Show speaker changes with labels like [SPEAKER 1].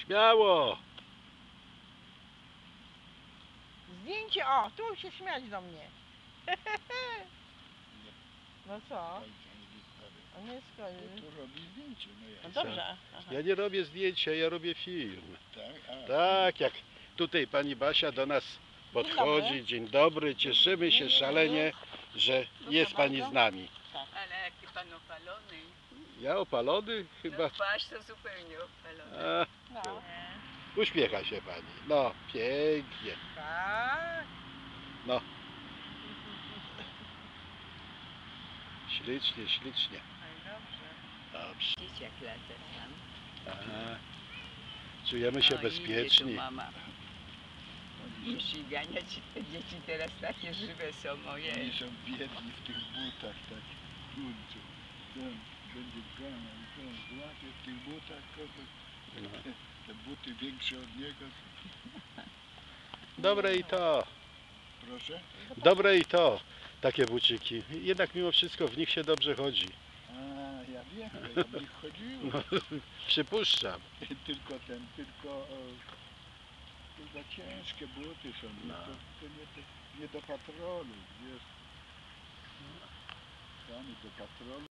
[SPEAKER 1] Śmiało!
[SPEAKER 2] Zdjęcie, o, tu się śmiać do mnie. No co? A nie skończy.
[SPEAKER 3] Tu robi zdjęcie, no ja.
[SPEAKER 2] No dobrze. Aha.
[SPEAKER 1] Ja nie robię zdjęcia, ja robię film.
[SPEAKER 3] Tak, a,
[SPEAKER 1] Tak, jak tutaj pani Basia do nas podchodzi. Dzień dobry, cieszymy się szalenie, że jest pani z nami.
[SPEAKER 4] Ale jaki pan opalony.
[SPEAKER 1] Ja opalony chyba.
[SPEAKER 4] No twarz to zupełnie opalona.
[SPEAKER 1] A,
[SPEAKER 2] No.
[SPEAKER 1] uśmiecha się pani. No, pięknie.
[SPEAKER 2] Tak.
[SPEAKER 1] No. Ślicznie, ślicznie.
[SPEAKER 4] Ale dobrze.
[SPEAKER 1] Dobrze.
[SPEAKER 4] Dzieciak lata tam.
[SPEAKER 1] Aha. Czujemy się
[SPEAKER 4] No, idzie
[SPEAKER 1] bezpieczni.
[SPEAKER 4] tu mama. I ścigania ci te dzieci teraz takie żywe są moje.
[SPEAKER 3] oni są biedni w tych butach, tak, kurczę. Ten będzie złapie w tych butach kogoś.
[SPEAKER 1] No.
[SPEAKER 3] Te buty większe od niego.
[SPEAKER 1] Dobre i to.
[SPEAKER 3] Proszę?
[SPEAKER 1] Dobre i to. Takie buciki. Jednak mimo wszystko w nich się dobrze chodzi.
[SPEAKER 3] A, ja wiem, ja w nich chodziłem.
[SPEAKER 1] No, przypuszczam.
[SPEAKER 3] Tylko za ciężkie buty są.
[SPEAKER 1] No.
[SPEAKER 3] To nie do patrolu, wiesz. Sami do patrolu.